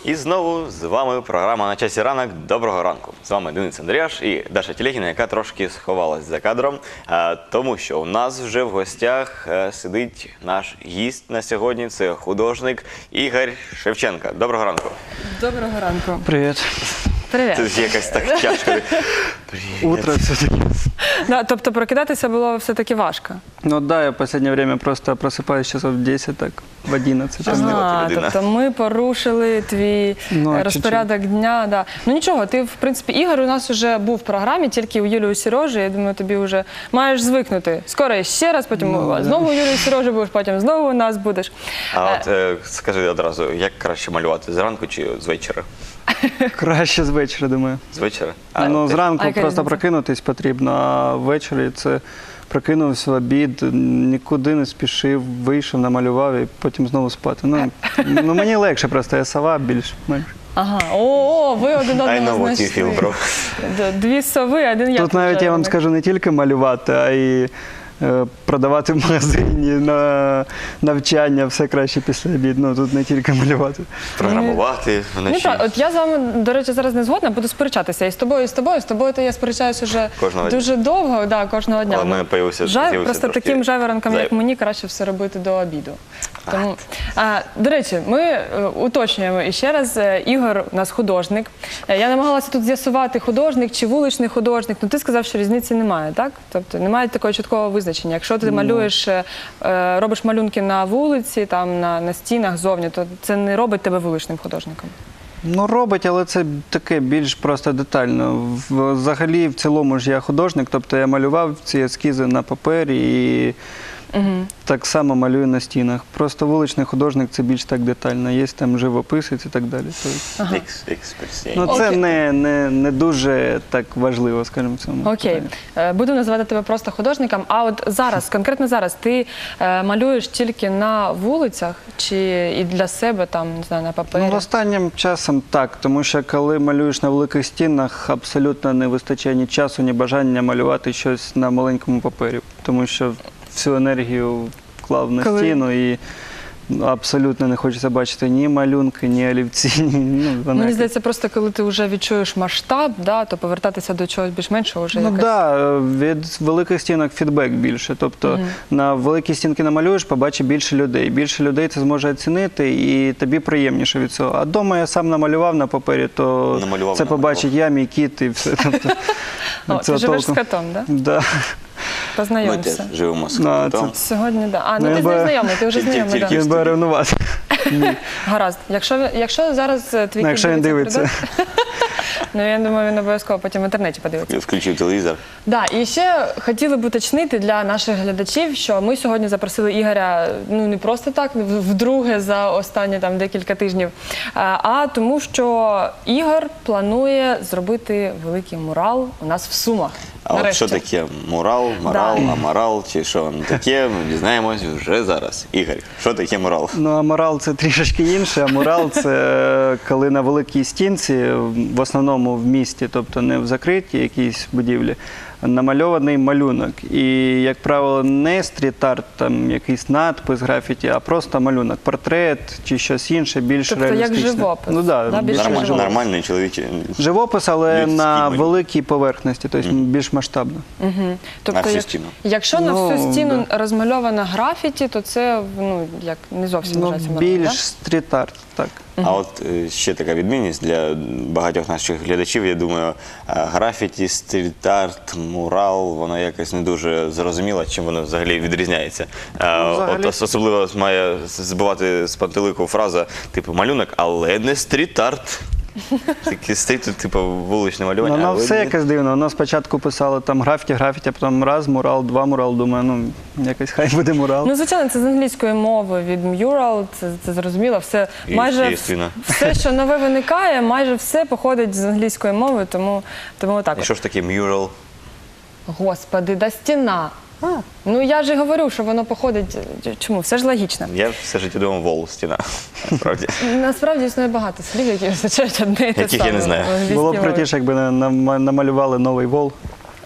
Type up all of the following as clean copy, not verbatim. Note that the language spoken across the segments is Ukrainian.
І знову з вами програма «На часі ранок». Доброго ранку. З вами Денис Андріаш і Даша Телегіна, яка трошки сховалась за кадром, тому що у нас вже в гостях сидить наш гість на сьогодні. Це художник Ігор Шевченко. Доброго ранку. Доброго ранку. Привет. Привіт. Це якось так тяжко. Утро все-таки. Да, тобто прокидатися було все-таки важко? Ну да, я в последнее время просто просыпаюсь часов в 10, так, в 11. Ага. людина. Тобто ми порушили твій Ну, розпорядок дня. Да. Ну нічого, ти, в принципі, Ігор у нас вже був в програмі, тільки у Юлі і Сережі. Я думаю, тобі вже маєш звикнути. Скоро ще раз, потім знову у Юлі і Сережі будеш, потім знову у нас будеш. А от скажи одразу, як краще малювати, зранку чи з вечора? Краще з вечора, думаю. З вечора? Ну, зранку яка просто різниця? прокинутись потрібно, а ввечері це прокинувся в обід, нікуди не спішив, вийшов, намалював і потім знову спати. Ну мені легше просто, я сова більш-менш. Ага, о, ви один I know одного what you feel, знайшли. bro. Дві сови, один я. Тут навіть я вам скажу не тільки малювати, а й продавати в магазині, на навчання, все краще після обіду. Ну, тут не тільки малювати. Програмувати Ну вночі. так, от я з вами, до речі, зараз не згодна, буду сперечатися і з тобою, і з тобою. З тобою то я сперечаюся вже Кожного дня. дуже довго, да, кожного дня. Але в мене з'явився Просто трошки таким жайворонкам, як зайвий. мені, краще все робити до обіду. Тому, до речі, ми уточнюємо іще раз, Ігор у нас художник. Я намагалася тут з'ясувати, художник чи вуличний художник. Ну ти сказав, що різниці немає, так? Тобто немає такого чіткого визначення. Якщо ти малюєш, робиш малюнки на вулиці, там на стінах зовні, то це не робить тебе вуличним художником. Ну, робить, але це таке більш просто детально. Взагалі, в цілому ж я художник, тобто я малював ці ескізи на папері і так само малюю на стінах. Просто вуличний художник – це більш так детально. Є там живописець і так далі. Експресія. Ну, це Окей. не дуже так важливо, скажімо, в цьому. Окей. Буду називати тебе просто художником. А от зараз, конкретно зараз, ти малюєш тільки на вулицях чи і для себе, там, не знаю, на папері? Ну, останнім часом так, тому що коли малюєш на великих стінах, абсолютно не вистачає ні часу, ні бажання малювати щось на маленькому папері, тому що всю енергію вклав на стіну і абсолютно не хочеться бачити ні малюнки, ні олівці, Мені здається, просто коли ти вже відчуєш масштаб, да, то повертатися до чогось більш-меншого вже Ну якось... так, від великих стінок фідбек більше. Тобто на великі стінки намалюєш, побачить більше людей. Більше людей це зможе оцінити і тобі приємніше від цього. А вдома я сам намалював на папері, то Намалював, це побачить я, мій кіт і все. Тобто, О, ти живеш з котом, так? Да? Ми Познайомся. теж живемо з Ну, котом. Сьогодні, так. Да. Ну, Ну ти з ним я знайомий, ти вже Тільки- знайомий, тільки- так. Він буде ревнувати. Гаразд. Якщо зараз твій кіт Якщо він дивиться. ну я думаю, він обов'язково потім в інтернеті подивиться. Включив телевізор. Да, і ще хотіли б уточнити для наших глядачів, що ми сьогодні запросили Ігоря, ну не просто так, вдруге за останні там декілька тижнів, а тому, що Ігор планує зробити великий мурал у нас в Сумах. А от Нарешті. що таке мурал, морал, аморал, чи що воно таке, ми дізнаємось вже зараз. Ігор, що таке мурал? Ну, а морал – це трішечки інше. А мурал – це коли на великій стінці, в основному в місті, тобто не в закритій якійсь будівлі, намальований малюнок. І, як правило, не стріт-арт, там якийсь надпис, графіті, а просто малюнок, портрет чи щось інше, більш Тобто як реалістичне. живопис. Ну, Да, да, більше більш живопис. Нормальний чоловічий. живопис, але Людський на малюнок. великій поверхності, тобто більш масштабно. На всю стіну. Якщо на всю Ну, стіну розмальована графіті, то це як не зовсім Ну, вважається мурал, більш да? стріт-арт, так. А от ще така відмінність для багатьох наших глядачів, я думаю, графіті, стріт-арт, мурал, воно якось не дуже зрозуміло, чим воно взагалі відрізняється. взагалі- От особливо має збивати з пантелику фраза, типу, малюнок, але не стріт-арт. Такий стріт, типу, вуличне малювання. Воно але все не- якось дивно. Воно спочатку писали там графіті, а потім раз, мурал, два мурал. Думаю, ну якось хай буде мурал. Ну, звичайно, це з англійської мови від mural, це зрозуміло. Все, майже Естественно. все, що нове виникає, майже все походить з англійської мови, тому отак. І от. що ж таке мюрал? Господи, да стіна. Ну я ж і говорю, що воно походить. Чому? Все ж логічно. Я все життя думав вол, стіна, насправді. Насправді існує багато слів, які означають одне і те Яких я саме. не знаю. в англійській Було б мові. крутіше, якби намалювали новий вол.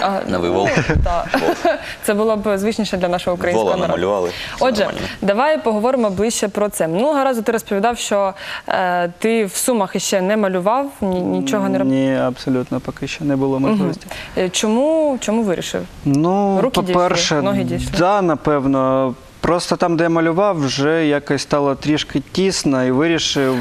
На вивол. Так. Це було б звичніше для нашого українського Вола народу. намалювали. Все Отже, нормально. давай поговоримо ближче про це. Минулого разу ти розповідав, що ти в Сумах іще не малював, нічого не робив. Ні, абсолютно, поки що не було можливості. Чому вирішив? Ну, Руки по-перше, дійшли, ноги дійшли? да, напевно. Просто там, де я малював, вже якось стало трішки тісно і вирішив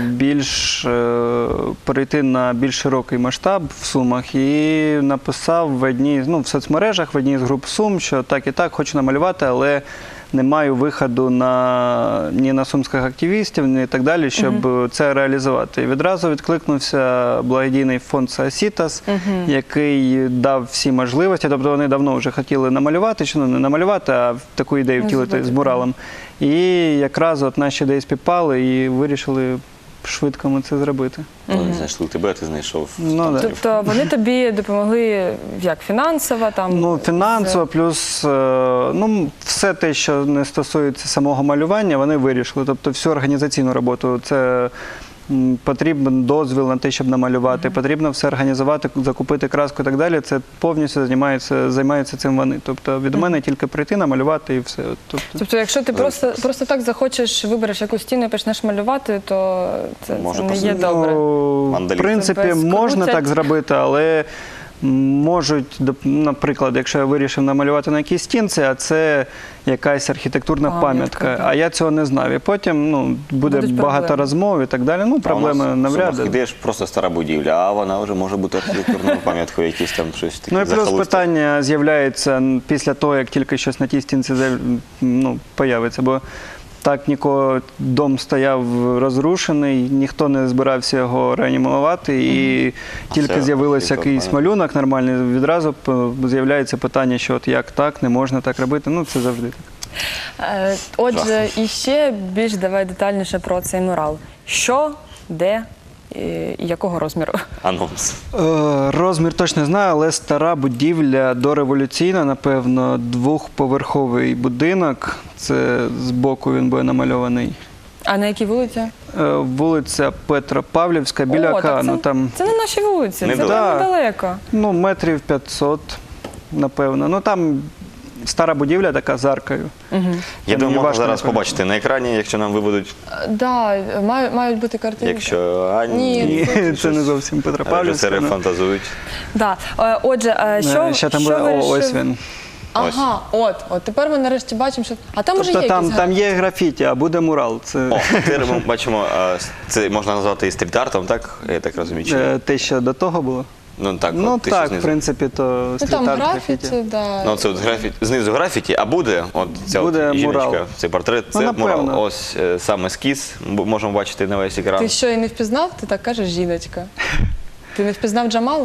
перейти на більш широкий масштаб в Сумах і написав в соцмережах, в одній з груп Сум, що так і так, хочу намалювати, але не маю виходу ні на сумських активістів, ні так далі, щоб це реалізувати. І відразу відкликнувся благодійний фонд Саасітас, який дав всі можливості. Тобто вони давно вже хотіли намалювати, чи не намалювати, а таку ідею втілити з муралом. І якраз от наші ідеї співпали і вирішили швидко ми це зробити. Вони знайшли тебе, а ти знайшов. Ну, да. Тобто вони тобі допомогли як фінансово? Фінансово, плюс все те, що не стосується самого малювання, вони вирішили. Тобто всю організаційну роботу. Це потрібен дозвіл на те, щоб намалювати, потрібно все організувати, закупити краску і так далі. Це повністю займаються цим вони. Тобто від мене тільки прийти, намалювати і все. Тобто якщо ти просто так захочеш, вибереш якусь стіну і почнеш малювати, то це не є добре. В принципі, Тебе можна скрутять. так зробити, але можуть, наприклад, якщо я вирішив намалювати на якійсь стінці, а це якась архітектурна пам'ятка, так. а я цього не знав. І потім буде Будуть багато проблеми. розмов і так далі. Проблеми навряд. Ідеш просто стара будівля, а вона вже може бути архітектурною пам'яткою, якісь там щось таке. Ну і плюс питання з'являється після того, як тільки щось на тій стінці появиться, бо так нікого дом стояв розрушений, ніхто не збирався його реанімувати, і тільки з'явився якийсь малюнок нормальний, відразу з'являється питання, що от як так, не можна так робити, це завжди так. Отже, і ще більш давай детальніше про цей мурал. Що, де і якого розміру? Анонс. Розмір точно не знаю, але стара будівля, дореволюційна, напевно, двохповерховий будинок. Це збоку він буде намальований. А на якій вулиці? Вулиця Петропавлівська, біля Океану. Це на нашій вулиці, це Недалеко. недалеко. Метрів 500, напевно. Там стара будівля така з аркою. Я думаю, можна важко зараз не побачити на екрані, якщо нам виведуть, Так, мають бути картинки. якщо Ні, це не зовсім Петропавлівська. режисери фантазують. Да. Отже, Ще там буде, вирішив? ось він. Ага, от тепер ми нарешті бачимо, що... А там вже є Тобто якісь там є графіті, а буде мурал. Це Тепер ми бачимо, це можна назвати і стріт-артом, так? Я так розумію, чи ні? те, що до того було. Ну так, Ну от ти ще так, в знизу. принципі, то Ну там стріт-арт, графіті, да. Ну, це от знизу графіті, а буде от ця Буде от жіночка, мурал. цей портрет, це напевно. мурал. Ось сам ескіз, можемо бачити на весь екран. Ти що, і не впізнав? Ти так кажеш, жіночка. Ти не впізнав Джамалу?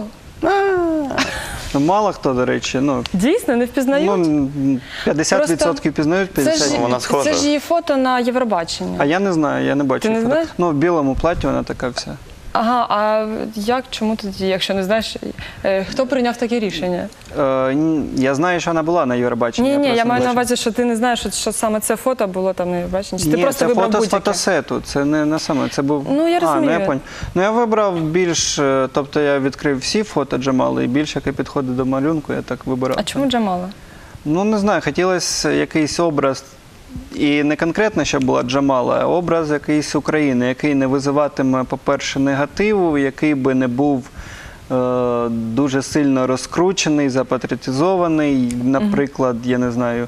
Мало хто, до речі, Дійсно, не впізнають? 50% пізнають, 50%. Вона схожа. Це ж її фото на Євробаченні. А я не знаю, я не бачу. Ти не фото. знаєш? В білому платі вона така вся. Ага, а чому тоді, якщо не знаєш, хто прийняв таке рішення? Я знаю, що вона була на Євробаченні. Ні, просто я не маю на бачив. увазі, що ти не знаєш, що саме це фото було там на Євробаченні. Чи ти Ні, просто це вибрав фото з будь-яке? фотосету, це не саме, це був... Ну, я розумію. я понял. Я вибрав більш, тобто я відкрив всі фото Джамали, і більш, яке підходить до малюнку, я так вибирав. А чому Джамала? Не знаю, хотілося якийсь образ, і не конкретно, щоб була Джамала, а образ якийсь України, який не визиватиме, по-перше, негативу, який би не був дуже сильно розкручений, запатріотизований, наприклад, я не знаю,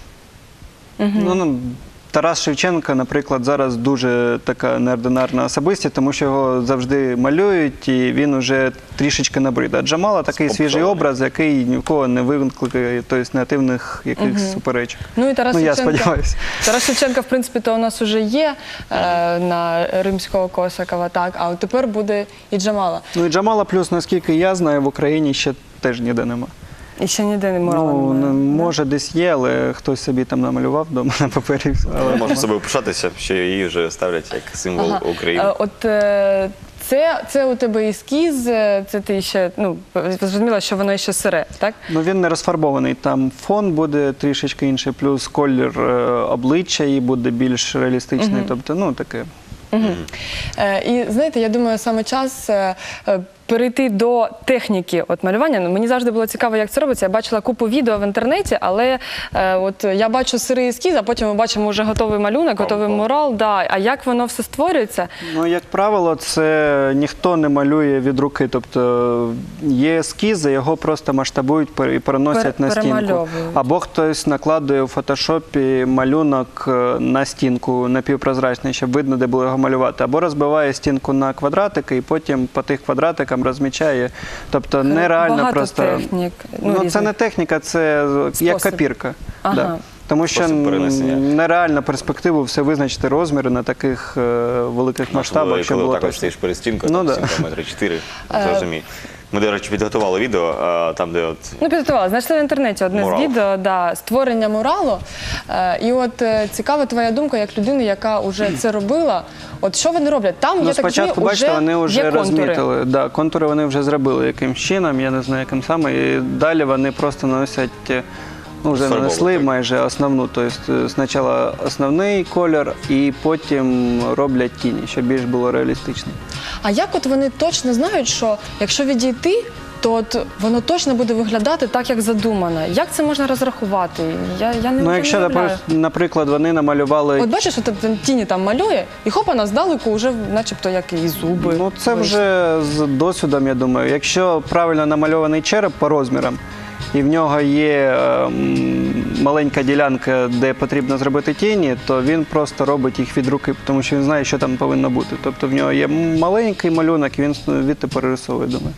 Тарас Шевченко, наприклад, зараз дуже така неординарна особистість, тому що його завжди малюють, і він уже трішечки набрид. А Джамала такий свіжий образ, який ні в кого не викликає негативних якихось суперечок. Ну і Тарас я Шевченко. сподіваюся. Тарас Шевченко, в принципі, то у нас вже є на Римського Косакова, так, а от тепер буде і Джамала. Ну і Джамала плюс, наскільки я знаю, в Україні ще теж ніде нема. І ще ніде не мурала немає. Може десь є, але хтось собі там намалював вдома на папері. Але можна собою пишатися, що її вже ставлять як символ України. От це у тебе ескіз, це ти ще, зрозуміла, що воно ще сире, так? Він не розфарбований, там фон буде трішечки інший, плюс колір обличчя її буде більш реалістичний, тобто, таке. І знаєте, я думаю, саме час перейти до техніки малювання. Ну, мені завжди було цікаво, як це робиться. Я бачила купу відео в інтернеті, але от я бачу сирий ескіз, а потім ми бачимо вже готовий малюнок, готовий мурал. Да. А як воно все створюється? Ну, як правило, це ніхто не малює від руки. Тобто є ескізи, його просто масштабують і переносять на стінку. Перемальовують. Або хтось накладує у фотошопі малюнок на стінку напівпрозрачний, щоб видно, де було його малювати. Або розбиває стінку на квадратики і потім по тих квадратикам розмічає. Тобто нереально Багато просто. технік. Ну, це різних. не техніка, це як копірка. Ага. Да. Тому що Спосіб перенесення. нереально перспективу все визначити розміри на таких великих масштабах, щоб коли було так ось точно. стоїш перед стінкою, Ну, там да. стінка метри 4, зрозумій. Ми, до речі, підготували відео, там, де от Ну, підготувала. Знайшли в інтернеті одне Мурал. з відео, да, створення муралу. І от цікава твоя думка, як людини, яка вже це робила. От що вони роблять? Там, Ну, я так спочатку, розумію, бачите, вони вже є контури. розмітили. Да, контури вони вже зробили якимсь чином, я не знаю, яким саме. І далі вони просто наносять, ну, вже Фарбову, нанесли так. майже основну. Тобто спочатку основний колір і потім роблять тіні, щоб більш було реалістично. А як от вони точно знають, що якщо відійти, то от воно точно буде виглядати так, як задумано? Як це можна розрахувати? Я не Ну, якщо, уявляю. наприклад, вони намалювали. От бачиш, от тіні там малює, і хоп, вона здалеку вже начебто як і зуби. Ну, це вийшли. вже з досвідом, я думаю. Якщо правильно намальований череп по розмірам, і в нього є маленька ділянка, де потрібно зробити тіні, то він просто робить їх від руки, тому що він знає, що там повинно бути. Тобто в нього є маленький малюнок, і він звідти перерисовує, думаю.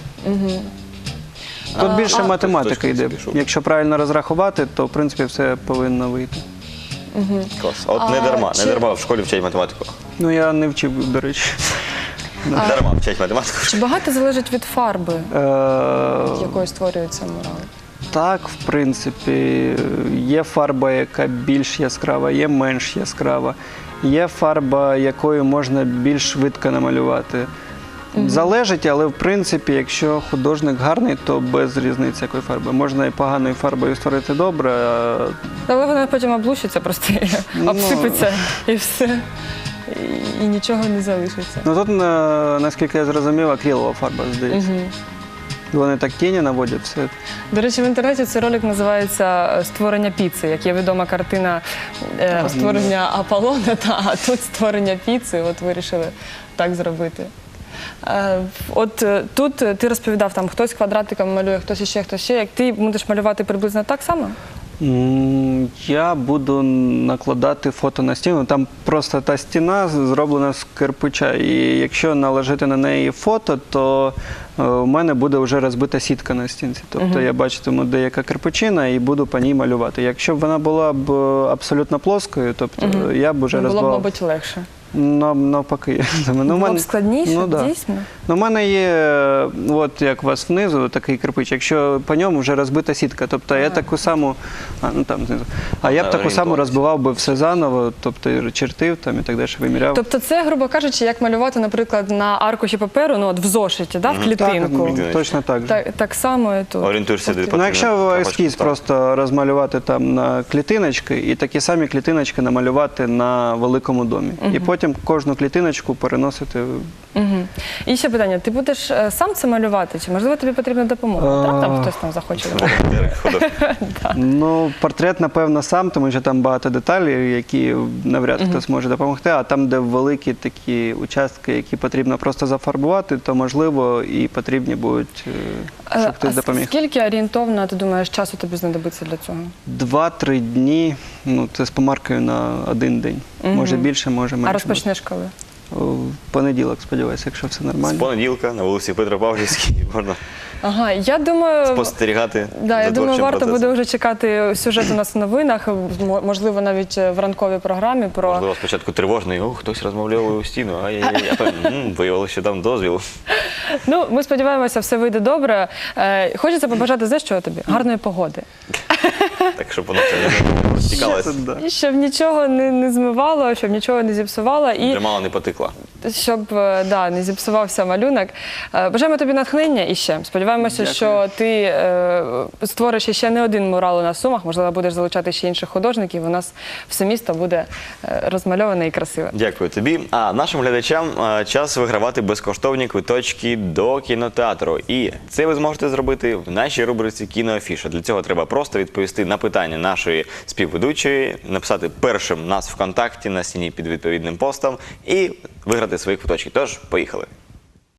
Тут більше математика точно йде. пішов. Якщо правильно розрахувати, то в принципі все повинно вийти. клас. От не дарма в школі вчать математику. Ну, я не вчив, до речі. Не дарма вчать математику. Чи багато залежить від фарби, Е, якою створюється мурал? Так, в принципі, є фарба, яка більш яскрава, є менш яскрава. Є фарба, якою можна більш швидко намалювати. Залежить, але в принципі, якщо художник гарний, то без різниці якої фарби. Можна і поганою фарбою створити добре, а Але вона потім облущиться, просто і обсипеться і все. І нічого не залишиться. ну, тут, наскільки я зрозумів, акрилова фарба, здається. Вони так тіні наводять все. До речі, в інтернеті цей ролик називається «Створення піци», як є відома картина створення Аполлона, а тут створення піци, от вирішили так зробити. От тут ти розповідав, там хтось квадратиком малює, хтось ще. Як ти будеш малювати приблизно так само? Я буду накладати фото на стіну. Там просто та стіна зроблена з кирпича. І якщо наложити на неї фото, то у мене буде вже розбита сітка на стінці. Тобто я бачитиму, де яка кирпичина, і буду по ній малювати. Якщо б вона була б абсолютно плоскою, тобто я б вже Було б, розбивав. мабуть, легше. Навпаки. Було б складніше, Ну, да. дійсно? Ну, у мене є, от як у вас внизу, такий кирпич, якщо по ньому вже розбита сітка, тобто я таку саму, там знизу, я б таку саму розбивав би все заново, тобто чертив там і так далі, виміряв. Тобто це, грубо кажучи, як малювати, наприклад, на аркуші паперу, ну от в зошиті, да, в клітинку. Так, точно так же. Так само і тут. Орієнтуєшся, де Ну, потрібно якщо трошки ескіз поставити. просто розмалювати там на клітиночки, і такі самі клітиночки намалювати на великому домі. І потім кожну клітиночку переносити. І ще питання, ти будеш сам це малювати, чи можливо тобі потрібна допомога? Раптом хтось там захоче допомогти. Волонтери, художники. Ну, портрет, напевно, сам, тому що там багато деталей, які навряд хтось може допомогти, а там, де великі такі участки, які потрібно просто зафарбувати, то, можливо, і потрібні будуть, щоб хтось допоміг. Скільки орієнтовно, ти думаєш, часу тобі знадобиться для цього? 2-3 дні, ну, це з помаркою на 1 день. Може більше, може менше. А розпочнеш коли? В понеділок, сподіваюся, якщо все З нормально. понеділка на вулиці Петропавлівській можна Ага, я думаю, спостерігати да, я за думаю, творчим варто процесом. буде вже чекати сюжет у нас в новинах, можливо, навіть в ранковій програмі про... Можливо, спочатку тривожний, хтось розмовляє у стіну, а потім виявилося, що там дозвіл. Ну, ми сподіваємося, все вийде добре. Хочеться побажати, знаєш, що тобі? Гарної погоди. Так, щоб воно це не розтікалося. Да. І щоб нічого не змивало, щоб нічого не зіпсувало. І Для мало не потекла. щоб не зіпсувався малюнок. Бажаємо тобі натхнення і ще. Сподіваємося, Дякую. що ти створиш ще не один мурал на Сумах, можливо, будеш залучати ще інших художників, у нас все місто буде розмальоване і красиве. Дякую тобі. А нашим глядачам час вигравати безкоштовні квиточки до кінотеатру. І це ви зможете зробити в нашій рубриці «Кіноафіша». Для цього треба просто відповісти на питання нашої співведучої, написати першим нас ВКонтакті на стіні під відповідним постом і виграти свої квиточки. Тож, поїхали.